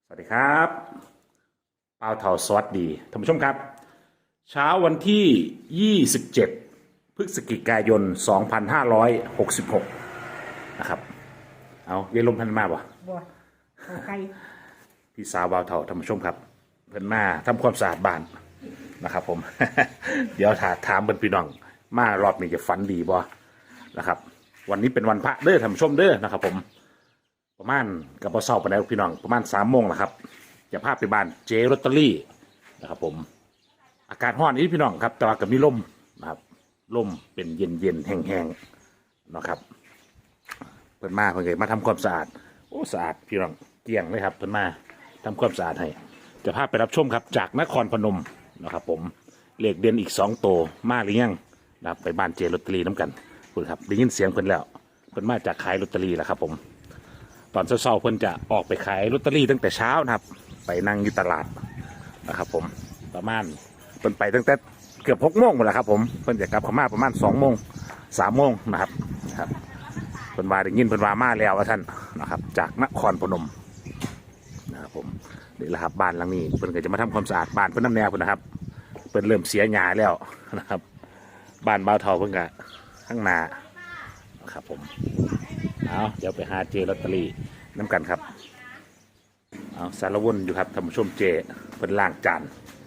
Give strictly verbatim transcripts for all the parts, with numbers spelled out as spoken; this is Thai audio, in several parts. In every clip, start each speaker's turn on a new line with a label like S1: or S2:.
S1: สวัสดีครับเปาเถาสวัสดีท่านผู้ชมครับเช้าวันที่ยี่สิบเจ็ดพฤศจิกายนสองพันห้าร้อยหกสิบหกนะครับเอาเยลมพันมาบ่
S2: บัวเขาไก่
S1: พี่สาวเปาเถาท่านผู้ชมครับเพิ่นมาทำความสะอาดบ้านนะครับผม เดี๋ยวถาถามเพิ่นพี่น้องมารอบนี้จะฝันดีบ่นะครับวันนี้เป็นวันพระเด้อท่านผู้ชมเด้อนะครับผมประมาณกับพอเศร้าไปแล้วพี่น้องประมาณสามโมงนะครับจะพาไปบ้านเจลอตเตอรี่นะครับผมอากาศร้อนนี้พี่น้องครับแต่ว่าก็มีลมนะครับลมเป็นเย็นเย็นแห้งแห้งนะครับเพิ่นมาเพิ่นก็มาทำความสะอาดโอ้สะอาดพี่น้องเกลี้ยงเลยครับเพิ่นมาทำความสะอาดให้จะพาไปรับชมครับจากนครพนมนะครับผมเลขเด่นอีกสองโตมาหรือยังนะครับไปบ้านเจลอตเตอรี่น้ำกันคุณครับได้ยินเสียงเพิ่นแล้วเพิ่นมาจากขายลอตเตอรี่แล้วครับผมตอนเช้าๆเพิ่นจะออกไปขายลอตเตอรี่ตั้งแต่เช้านะครับไปนั่งอยู่ตลาดนะครับผมประมาณเพิ่นไปตั้งแต่เกือบหกโมงหมดแล้วครับผมเพิ่นจะกลับเข้ามาประมาณสองโมงสามโมงนะครับนะครับเพิ่นว่าได้ยินเพิ่นว่ามาแล้วว่าท่านนะครับจากนครพนมนะครับผมนี่แหละครับบ้านหลังนี้เพิ่นก็จะมาทำความสะอาดบ้านเพิ่นน้ำแนวเพิ่นนะครับเพิ่นเริ่มเสียหญ้าแล้วนะครับบ้านบ่าวเฒ่าเพิ่นก็ข้างหน้านะครับผมเอาเดี๋ยวไปหาเจลอตเตอรี่น้ำกันครับเอาสารวนอยู่ครับท่านผู้ชมเจเพิ่นล้างจาน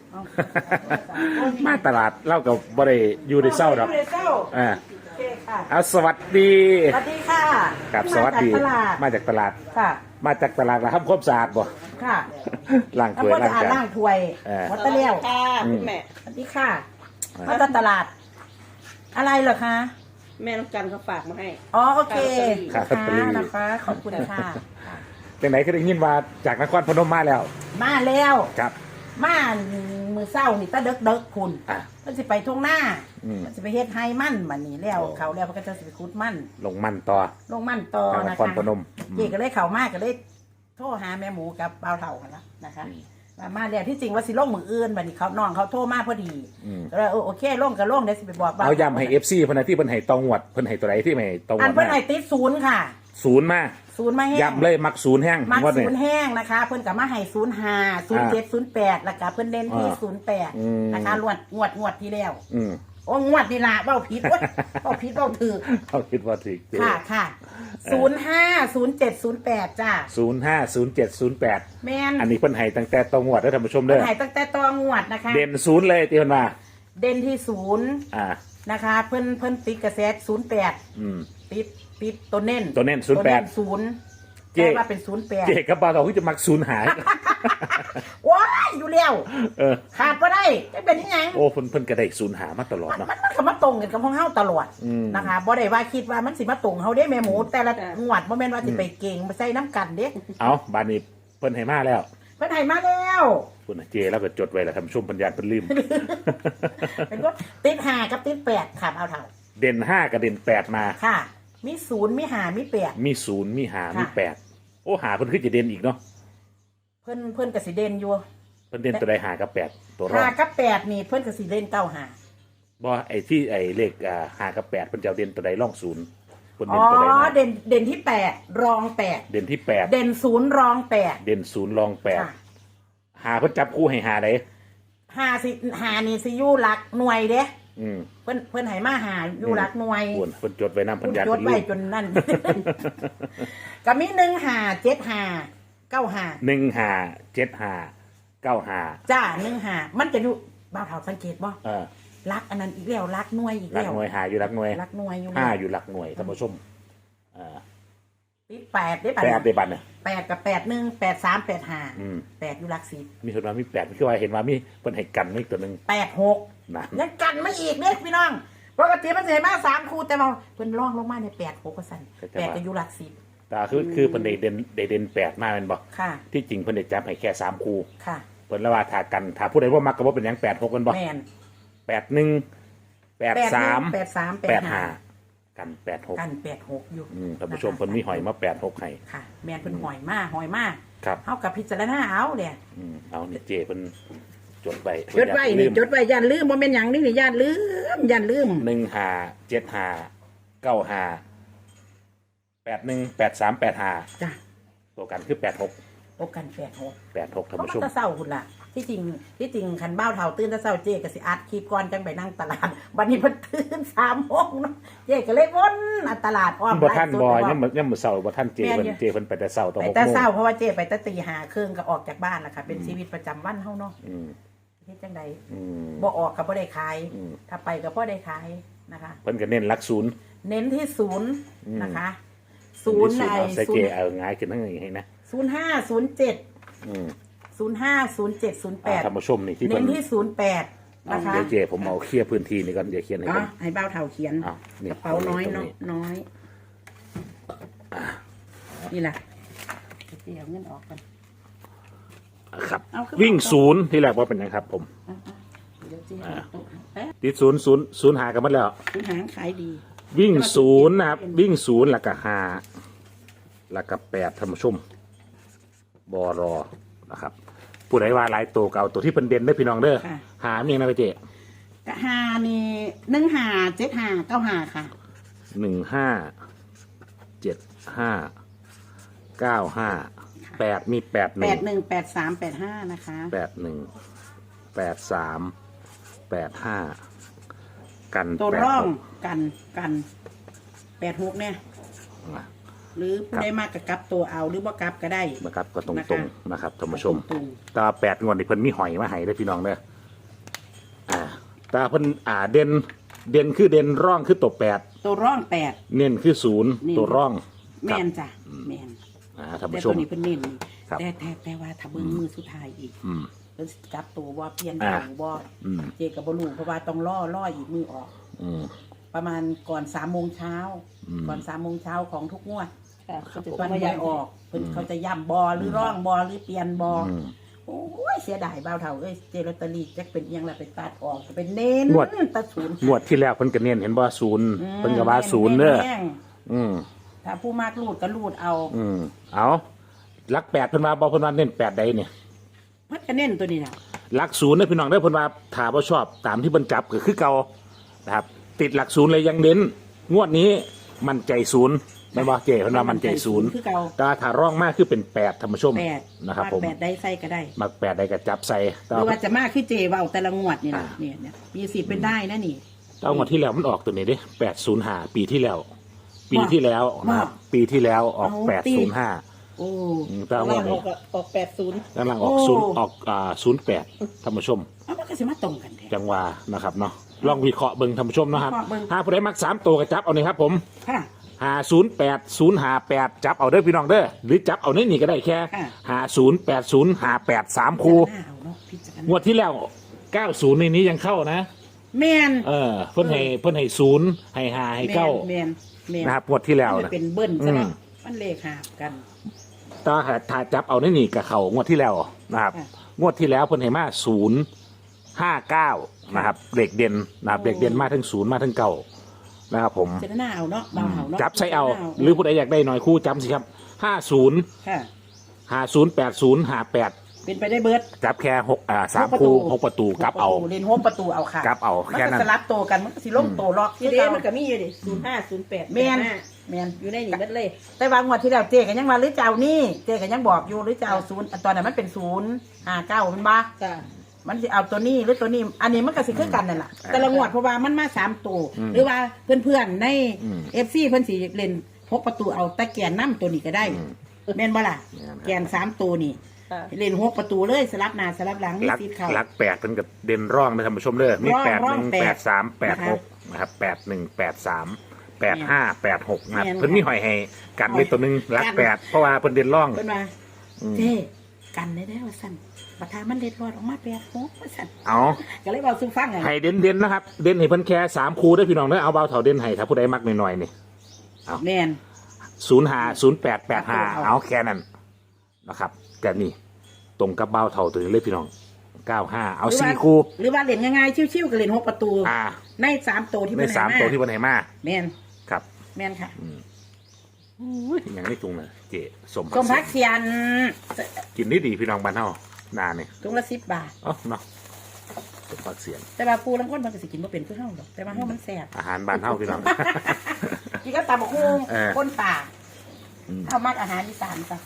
S1: มาตลาดเล่ากับบริยูในเศร้าครับอ่าเอาสวัสดี
S2: สวัสดีค่ะ
S1: กับสวัสดีมาจากตลาด
S2: ค่ะ
S1: มาจากตลาดแล้วทำความสะอาดบ่
S2: ค่ะ
S1: ล้างถ้วยล้างจาน
S2: ล้างถ้วยวัตเตอร์เลี้ยว
S3: ค่ะคุณแม่
S2: สวัสดีค่ะมาจากตลาด อะไรเหรอคะ
S3: แม่น้องจันเขาฝากมาให้
S2: อ๋อโอเค
S1: ค่ะลอตเตอรี่
S2: นะคะขอบคุณค่ะ
S1: จากไหนก็ได้ยินว่าจากนครพนมมาแล้ว
S2: มาแล้ว
S1: ครับ
S2: มามือเศร้านี่ตะเด็กเด็กคุณ
S1: อ่ะ
S2: มันสิไปทุ่งหน้า
S1: อืม
S2: มันสิไปเฮ็ดไฮมั่นมันนี่แล้ว
S1: โอ้
S2: เขาแล้วมันก็จะสิไปคุดมั่น
S1: ลงมันต่อ
S2: ลงมั่นต่อ
S1: จากน
S2: นะ
S1: คร
S2: คะ
S1: พนมอืม
S2: เจ๊ก็เลยเข้ามากก็เลยโทรหาแม่หมูกับเบาวเฒ่ากันละนะคะมามาแล้วที่จริงว่าสิลงมืออื่นบัดนี้เขาน้องเขาโทรมาพอดี
S1: อืม
S2: ก็เลยเออโอเคลงก็ลงเดี๋ยวสิไปบอกว่
S1: เอาย้ำให้เอฟซีเพิ่นนะที่เพิ่นให้ตองวดเพิ่นให้ตัวไหนที่ไม่ให้ตองว
S2: อัน
S1: ด
S2: เพิ่น
S1: มา
S2: ให้ติดศูนย์ค่ะ
S1: ศูนย์มา
S2: ศูนย์มาแห้ง
S1: ย้ำเลยมักศูนย์แห้ง
S2: มัก
S1: งวด
S2: ศู
S1: นี้
S2: นย์แห้งนะคะ เพิ่นกับมาให้ศูนย์ห้าศูนย์เจ็ดศูนย์แปดแล้วก็เพิ่นเน้นที่
S1: อ่า
S2: ศูนย์แปด
S1: อืม
S2: นะคะงวดงวดงวดที่แล้ว
S1: อืม
S2: โอ้งวดนี่ละเบ้าผิดเว้ยเบ้าผิดเบ้าถือ
S1: เขาคิดว่าถึกเจ
S2: ค่ะค่ะศูนย์ห้าศูนย์เจ็ดศูนย์แปดจ้า
S1: ศูนย์ห้าศูนย์เจ็ดศูนย์แปด
S2: แม่น
S1: อันนี้เพิ่นให้ตั้งแต่ตองวดแล้วท่านผู้ชมเด้อ
S2: ให้ตั้งแต่ตองวดนะคะ
S1: เด่นศูนย์เลยที่เพิ่นมา
S2: เด่นที่ศูนย์
S1: อ่า
S2: นะคะ เพิ่นเพิ่นติดกระแสศูนย์แปด
S1: อืม
S2: ติดติดตัวเน้น
S1: ตัวเน้นศูนย์แปด
S2: ศูนย์
S1: เจ๊
S2: แต่ว่าเป็นศูนย์แปด
S1: เจกับบาทองที่จะมักศูนย์หาย
S2: ว้ายอยู่แล้ว
S1: เออ
S2: ขาดก็ได้จะเป็นยังไง
S1: โอ้เพิ่นเพิ่นก็ได้ศูนย์หามาตลอด
S2: มัน
S1: เนาะ
S2: มันมันก็มาตรงกันกับของเฮาตลอด
S1: อืม
S2: นะคะบ่ได้ว่าคิดว่ามันสิมาตรงเฮาเด้แม่หมู แต่ละงวดบ่แม่นว่าสิไปเก่งมาใส่น้ำกันเด้
S1: เอาบานนี้เพิ่นให้มาแล้ว
S2: เพิ่นให้มาแล้ว
S1: คุณน่ะเจแล้วก็จดไว้แล้วท่านผู้ชมปัญญาเพิ่นลืม
S2: เป็นว่าติดห้ากับติดแปดค่ะเอาเท่า
S1: เด่นห้ากับเด่นแปดมา
S2: ค่ะ มีศูนย์มีห้ามีแปด
S1: มีศูนย์มีหา
S2: ค่ะ
S1: มีแปดโอ้หาเพิ่นคือจะเด่นอีกเนาะ
S2: เพิ่นเพิ่นก็สิเด่นอยู่
S1: เพิ่นเด่นตัวใดหากับแปดตัวรอ
S2: ห้า
S1: ง
S2: กับแปดนี่เพิ่นก็สิเด่นเก้าห้า
S1: บ่ไอ้ที่ไอ้เลขอ่าหากับแปดเพิ่นจะเอาเด่นตัวใดร่องศูนย์เพิ่น
S2: อ๋
S1: เด่
S2: อน
S1: ตัวใดมา
S2: เด่นเด่นที่แปดรองแปด
S1: เด่นที่แปด
S2: เด่นศูนย์รองแปด
S1: เด่นศูนย์รองแปด
S2: ค่ะ
S1: หาเพิ่นจับคู่ให้หาได
S2: ห้าสิห้านี่สิอยู่หลักหน่วยเด้
S1: อืม
S2: เพิ่นเพิ่นให้มาหาอยู่หลักหน่วย
S1: ควรเพิ่นจดไว้นำปัญญา
S2: จ
S1: เพิ่
S2: ด
S1: น
S2: ไว้
S1: ลืม
S2: จนนั่น ก็มีหนึ่งหาเจ็ดหาเก้าหา
S1: หนึ่งหาเจ็ดหาเก้าหา
S2: จ้าหนึ่งหามันจะอยู่บ่าวเฒ่าสังเกตบ่
S1: เออ
S2: รักอันนั้นอีกแล้วรักหน่วยอีก
S1: หลัก
S2: แล้ว
S1: หน่วยหาอยู่หลักหน่วย
S2: รักหน่วยอยู่
S1: ห้า
S2: แล้ว
S1: อยู่หลักหน่วยท่านผู้ชมเอ่า
S2: ติดแปดได้ปะ
S1: แปดในบัตรเนี่ย
S2: แปดกับแปดหนึ่งแปดสามแปดห้า
S1: อืม
S2: แปดอยู่หลักสิบ
S1: มีคนมามีแปดคือว่าเห็นว่ามีเพิ่นให้กันไม่ตัวหนึง
S2: แปดหก
S1: นะ
S2: ยังกันไม่อีกเนี่ยพี่น้องปกติมันจะให้มาสามคู่แต่มาเพิ่นร่องลงมาในแปดหกก็สั่นแปดก็อยู่หลักสิบ
S1: แต่คือคือเพิ่นได้เด่นได้เด่นแปดมาแม่นบ่
S2: ค่ะ
S1: ที่จริงเพิ่นได้จับให้แค่สามคู่
S2: ค่ะ
S1: เพิ่นละว่าถ้ากันถ้าผู้ใดว่ามักก็บ่เป็นหยังแปดหกกันบ่
S2: แมน
S1: แปดหนึ่งแปดสาม
S2: แปดสามแป
S1: แป
S2: ด
S1: ด
S2: ห้า
S1: ห้ากันแปดหก
S2: กันแปดหกอยู่
S1: อืมท่านผู้ชมเพิ่นมีหอยมาแปดหกให้
S2: ค่ะ แมนเพิ่นหอยมากหอยมาก
S1: ครับ
S2: เท่ากับพิจารณาเอาเนี่ย
S1: อืมเอานี่เจเพิ่นจดไว้
S2: จดไว้นี่จดไว้ย่านลืมบ่แม่นหยังนี่นี่ย่านลืมย่านลืม
S1: หนึ่งห้าเจ็ดห้าเก้าห้าแปดหนึ่งแปดสามแปดห้า
S2: จ้ะ
S1: ตัวกันคือแปดหก
S2: โอกันแปดหก
S1: แปดหกท่าน
S2: เขา
S1: ผู้ช
S2: มาม แตะเศร้าคุณล่ะที่จริงที่จริงคันบ้าวเท่าตื่นแตะเศร้าเจ๊ก็สิอัดคลิปก่อนจังไปนั่งตลาดวันนี้เพิ่นตื่นสามโมงเนาะเจ๊ก็เลยวนอัดตลาดอ้อม
S1: บ่ท่าน
S2: ไลฟ์สด
S1: บ่
S2: ไป
S1: ยังมื้อยังมื้อเช้าบ่ท่านเจเพิ่นเจเพิ่นไปแต่เช้าตอน
S2: ไป
S1: หก
S2: แต่
S1: โมง
S2: เศร้าเพราะว่าเจ๊ไปแตะตีหาครึ่งก็ออกจากบ้านล่ะค่ะเป็นชีวิตประจำวันเฮาเนาะ
S1: อืม
S2: เฮ็ดจังใด
S1: อืม
S2: บ่ออกก็บ่ได้ขาย
S1: อืม
S2: ถ้าไปก็บ่ได้ขายนะคะ
S1: เพิ่นก็เน้นหลักศูนย์
S2: เน้นที่ศูนย์
S1: อืม
S2: นะคะศูนย์ใน
S1: เอาใส่
S2: ศู
S1: เจ
S2: นย์
S1: เอาง่ายขึ้นทั้งนี้ให้นะ
S2: ศูนย์ห้าศูนย์เจ็ด
S1: อืม
S2: ศูนย์ห้าศูนย์เจ็ดศูนย์แป
S1: อ่า
S2: ด
S1: ท่านผู้ชมนี่ที่
S2: เน้
S1: เพิ่
S2: น
S1: น
S2: ที่ศูนย์แปด
S1: เอา
S2: นะคะ
S1: เดี๋ยวเจผมเอาเคลียร์พื้นที่นี่ก่อนเดี๋ยวเขียนให้
S2: อ๋อ
S1: เพิ่น
S2: ให้เบ้าเท่าเขียน
S1: อ้าวนี่
S2: กระเป๋าน้อย
S1: ตรง
S2: เนาะ
S1: นี้
S2: น้อยนี่แหละเดี๋ยวเงินออกกัน
S1: ครับ
S2: เอาขึ้นมา
S1: วิ่งศูนย์ที่แรกว่าเป็นยังครับ ผม
S2: อ่ะๆเดี๋ยวเจ๊เอาโต๊ะเอ๊ะ
S1: ติดศูนย์ศูนย์ศูนย์หากันหมดแล้ว
S2: คุณหางขายดี
S1: วิ่งศูนย์นะครับ วิ่งศูนย์แล้วก็ห้าแล้วก็แปดท่านผู้ชมบอรอนะครับ ผู้ใดว่าหลายตัวเก่าตัวที่เป็นเด่นได้อพี่น้องเด้อ
S2: ค่ะ
S1: หาเมียงนะพี่เจ
S2: กะหานี่หนึ่งหาเจ็ดหาเก้าหาค่ะ
S1: หนึ่งห้าเจ็ดห้าเก้าห้าแปดมีแปดห
S2: แป
S1: นึ่ง
S2: ดหนึ่งแปดสามแปดห้านะคะ
S1: แปดหนึ่งแปดสามแปดห้ากัน
S2: ตัว
S1: แปด
S2: ร่อง
S1: หก
S2: กันกันแปดหกเนี่ย
S1: อ่ะ
S2: หรือผู้
S1: ครับ
S2: ได้มากกับกลับตัวเอาหรือว่ากลับก็ได้
S1: นะครับก็ตรง
S2: นะคะ
S1: ตรงๆนะครับท่านผู้ชม
S2: ตรง
S1: ตาแปดงวดนี่เพิ่นมีหอยมาให้ได้อพี่น้องเด้ออ่าตาเพิ่นอ่าเด่นเด่นคือเด่นร่องคือตัวแปด
S2: ๆตัวร่องแปด
S1: เน้นคือศูนย์
S2: นี่
S1: ตัวร่อง
S2: แม
S1: ครับ
S2: นจ้ะแมน
S1: อ่าท่าน
S2: แต่
S1: ผู้ช
S2: ตัว
S1: ม
S2: นี้เพิ่นเน้นนี่
S1: ครับ
S2: แต่แต่แต่ว่าถ้าเบิ่งมือสุดท้ายอีก
S1: อืม
S2: เพิ่นสิกลับตัวว่าเปลี่ยน
S1: อ่า
S2: ตัวบ่
S1: อืม
S2: เจกับบลูเพราะว่าต้องล่อล่ออีกมือออก
S1: อืม
S2: ประมาณก่อนสามโมงเช้า
S1: อืม
S2: ก่อนสามโมงเช้าของทุกงวด
S3: ค่ะเขาจะ
S2: วัน
S3: มา
S2: หวย
S3: ย้าย
S2: ออกเพิ่นเขาจะย่ำบอหรือร่องบอหรือเปลี่ยนบอ
S1: อืม
S2: โอ้ยเสียดายเบาเท่าเอ้ยเจลอตเตอรี่จักเป็นเอียงละไปตัดออกจะเป็นเน้น
S1: งวด
S2: ตัดศูนย์
S1: งวดที่แล้วเพิ่นก็เน้นเห็นบ่ศูนย์
S2: อืม
S1: เพิ่นก็ว่าศูนย์เด้อ
S2: แม่ง
S1: อืม
S2: ถ้าผู้มากรูดก็รูดเอา
S1: อืมเอาหลักแปดเพิ่นว่าบ่เพิ่นว่าเน้นแปดใดเนี่ย
S2: เพัดก็เน้นตัวนี้นะ
S1: หลักศูนย์เด้อพี่น้องเด้อเพิ่นว่าถ้าบ่ชอบตามที่เพิ่นจับก็คือเก่านะครับ ติดหลักศูนย์เลยยังเน้นงวดนี้มั่นใจศูนย์แม่นบ่เจเพิ่นว่ามั่นใจศูนย์
S2: คือเก่า
S1: แต่ถ้าร่องมากคือเป็นแปดท่านผู้ชม
S2: แปด
S1: นะครับ
S2: วาด
S1: ผม
S2: แปดได้ใส่ก็ได้
S1: มักแปดใดก็จับใส่
S2: ห
S1: แต่
S2: รือ
S1: ว่า
S2: ว่าจะมากคือเจเบาแต่ละงวดนี่นะ
S1: อ่า
S2: เนี่ยเนี่ยมีสิทธิ์เป็นได้นะนี่
S1: แต่ว่างวดที่แล้วมันออกตัวนี้เด้แปดศูนย์ห้าปีที่แล้ว ปี
S2: ว่า
S1: ที่แล้วนะครับ
S2: ว่า
S1: ปีที่แล้วออก
S2: เอา
S1: แปด
S2: ตี
S1: ศูนย์ห้า
S2: โอ้
S1: แต่ว่างว
S3: ล่า
S1: ด
S3: งอ
S1: นี้
S3: อกออกแปดศูนย์
S1: กำลังออก
S2: โอ้
S1: ศูนย์ออกอ่าศูนย์แปดท่านผู้ชม
S2: เอามันก็สิมาตรงกันแท้
S1: จังหวานะครับเนาะลองวิเคราะห์เบิ่งท่านผู้ชมนะครับ
S2: วิเคราะห์เบิ่ง
S1: ถ้าผู้ใดมักสามตัวก็จับเอานี่ครับผม
S2: ค่ะ
S1: หาศูนย์แปดศูนย์หาแปดจับเอาเด้อพี่น้องเด้อหรือจับเอาในนี่ก็ได้แค่
S2: ค่ะ
S1: หาศูนย์แปดศูนย์หาแปดสามคู่
S2: หน้าเอาเนาะพิจาร
S1: ง
S2: ณาว
S1: ดที่แล้วเก้าศูนย์ในนี้ยังเข้านะ
S2: แมน
S1: เออเพิ่นให้เพิ่นให้ศูนย์ให้หาให้เก้า
S2: แมนแมน
S1: นะครับงวดที่แล้ว
S2: มัน
S1: นะ
S2: เป็นเบิ้ลซะแล้ว
S1: อืม
S2: มันเลขหาบกัน
S1: ตาถ้าจับเอาในนี่กับเขางวดที่แล้วนะครับ
S2: ค่ะ
S1: งวดที่แล้วเพิ่นให้มาศูนย์ห้าเก้านะครับเด็กเด่นนะครับเด็กเด่นมาทั้งศูนย์มาทั้งเก้านะครับผม
S2: เจตนาเอาเนาะเบาเอาเนาะ
S1: จับใส่เอา
S2: จตน
S1: หรือผู้ใดอยากได้หน่อยคู่จำสิครับห้าศูนย์
S2: ค่ะ
S1: ห้าศูนย์แปดศูนย์ห้าแปด
S2: เป็นไปได้เบิร์ด
S1: จับแค่หกอ่าสาม
S2: หกประตู
S1: คู่หกประตูกลับเอา
S2: เล่นโฮมประตูเอาค่ะ
S1: กลับเอา
S2: มัน
S1: แค่
S2: ก็
S1: นั้น
S2: สลับโตวกันมันก็สิลงโตวล็อก
S3: ทีเดมันก็มีอยู่ดิศูนย์ห้าศูนย์แปด
S2: แมนแมน
S3: อยู่ในนี่เบิดเลย
S2: แต่บางงวดที่แล้วเจ๊กันยังว่าหรือจะเอานี่เจ๊กันยังบอกอยู่หรือจะเอาศูนย์ตอนนั้นมันเป็นศูนย์ห้าเก้ามันบ้า
S3: จ้ะ
S2: มันจะเอาตัวนี้หรือตัวนี้ อันนี้มันก็สิคือกันนั่นแหละ
S1: อืม
S2: แต่ละงวดเพราะว่ามันมาสามตัว
S1: อืม
S2: หรือว่าเพื่อนๆใน
S1: อืม
S2: เอฟซีเพื่อนสีเล่นพกประตูเอาตะแกนน้ำตัวนี้ก็ได้
S1: อืม
S2: แม่นบ่ล่ะ
S1: แม่นครับ
S2: แกนสามตัวนี่
S3: ค่ะ
S2: เล่นหกประตูเลยสลับหน้าสลับหลังมี
S1: ลัก
S2: สิทธิ์เข้า
S1: ลักแปดเป็นกับเด่นร่องนะท่านผู้ชมเด้อมี
S2: ร่อง
S1: แปด
S2: ร่
S1: ห
S2: อง
S1: นึ่ง
S2: แปด
S1: แปดสามแปด
S2: นะคะ
S1: หกนะครับแปดหนึ่งแปดสามแปดห้าแปดหกนะครับ
S2: แม่น
S1: เพิ่นมีหอยให้กันไว้ตัวหนึงลัก
S2: กัน
S1: แปดเพราะว่าเพิ่นเด่นร่อง
S2: เพิ่นมา
S1: อืม
S2: เจ๊กันได้แล้วว่าสั่นบัดทามันเด็ดรอดออกมาแปดหกว่าสั่น
S1: เอา
S2: ก็เลยบอกสู้ฟังไง
S1: ให้เด่นเด่นๆนะครับ เด่นให้เพิ่นแค่สามคู่เด้อพี่น้องเด้อเอาเบาเถาเด่นให้ถ้าผู้ใดมักหน่อยๆนี่
S2: แม่น
S1: ศูนย์ห้าศูนย์แปดแปดห้า
S2: เอา
S1: เอาแค่นั้นนะครับแต่นี่ตรงกับเบาเถาตัวนี้เลยพี่น้องเก้าห้าเอา
S2: หรือว่า
S1: สี่คู่
S2: หรือว่าเล่นง่ายๆชิวๆก็เล่นหกประตู
S1: อ่า
S2: ในสามตัวที่
S1: ใน
S2: เพิ่นให้
S1: สามตัวที่เพิ่นให้มา
S2: แม่น
S1: ครับ
S2: แม่นค่ะ
S1: ยังไม่ตรงเลยเจสม
S2: สมพักเสียน
S1: กินได้ดีพี่น้องบ้านเฮานาเนี่ย
S2: ถุงละสิบบาท
S1: เอ๋อเนาะสมพักเสียง
S2: แต่ว่าปูลังก้นมันก็สิกินบ่เป็นคือเฮาดอกแต่ว่าเฮามันแซ่บ
S1: อาหารบ้านเฮาพี่น้อง
S2: กินก็ตำบักหุ่ง
S1: เออ
S2: ก้นป่า
S1: อืม
S2: เฮามักอาหารอีสานจ้ะ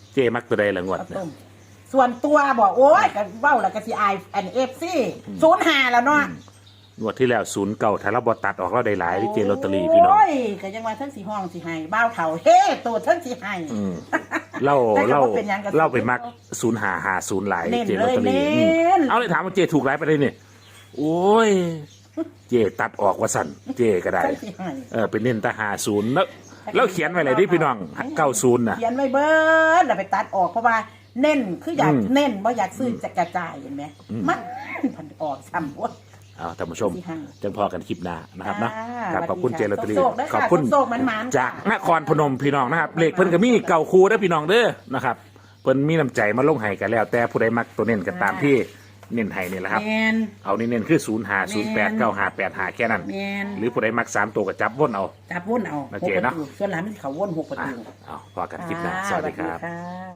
S1: เจมักตัวใดละงวด
S2: ข้าว
S1: เนี่ย
S2: ต้มส่วนตัวบอกโอ้ยก็เว้าแล้วก็สิอายอันเอฟซีศูนย์ห้าแล้วเนาะ
S1: งวดที่แล้วศูนย์เก่าถ้าเราบอตัดออกเราได้หลายที่เจลอตเตอรี่พี่น้อง
S2: โอ้ยก็ยังว่าทั้งสีห้องสีให้บ้าวเถาเฮ้ตัวทั้งสีให้
S1: อืมเล่า
S2: แต่ก็
S1: เล่า
S2: บ่เป็นหยังก็สิ
S1: เล่าไปมักศูนย์หาหาศูนย์หลาย
S2: เน้น
S1: เจลอตเตอรี่
S2: เลยเน้น
S1: อืมเอาเลยถามว่าเจถูกหลายไปเลยนี่โอ้ย เจตัดออกว่าสั่นเจก็ได้
S2: ทั้งสีให้
S1: เออเป็นเน้นแตาหาศูนย์แล้วแล้วเขียนไว้เลยดิพี่น้องเก้าศูนย์น่ะ
S2: เขียนไว้เบิดแล้วไปตัดออกเพราะว่าเน้นคืออยาก
S1: อืม
S2: เน้นว่าอยากซื้อจะกระจายเห็นไหมมันพันออกซ้ำวะ
S1: เอาท่านผู้ชม
S2: ที่ห้าง
S1: จังพอกันคลิปหน้านะครับเนาะ
S2: อ่า
S1: ครับขอบคุณ
S2: สวัส
S1: เจ
S2: ดี
S1: ลอตเตอรี่
S2: ค่ะโชคๆด้วย
S1: ข
S2: ค่ะ
S1: อบคุณ
S2: โชคๆมันๆ
S1: จาก
S2: ค่ะ
S1: นครพนมพี่น้องนะครับเลขเพิ่นก็มีเก่าคูเด้อพี่น้องเด้อนะครับเพิ่นมีน้ำใจมาลงให้กันแล้ว แต่ผู้ใดมักตัวเน้นก็ตามที่เน้นให้นี่แหละครับ
S2: แมน
S1: เอานี่เน้นคือศูนย์หาศูนย์แปดเก้าหาแปดหาแค่นั้น
S2: แมน
S1: หรือผู้ใดมักสามตัวก็จับวนเอา
S2: จับวนเอา
S1: โอ
S2: หก
S1: เค
S2: ประ
S1: เนาะ
S2: ตูส่วนหลังมันเขาวนหกประ
S1: อ่ะ
S2: ตู
S1: เอาพอกันคลิปหน้าสวัสดีครับ
S2: ค่ะ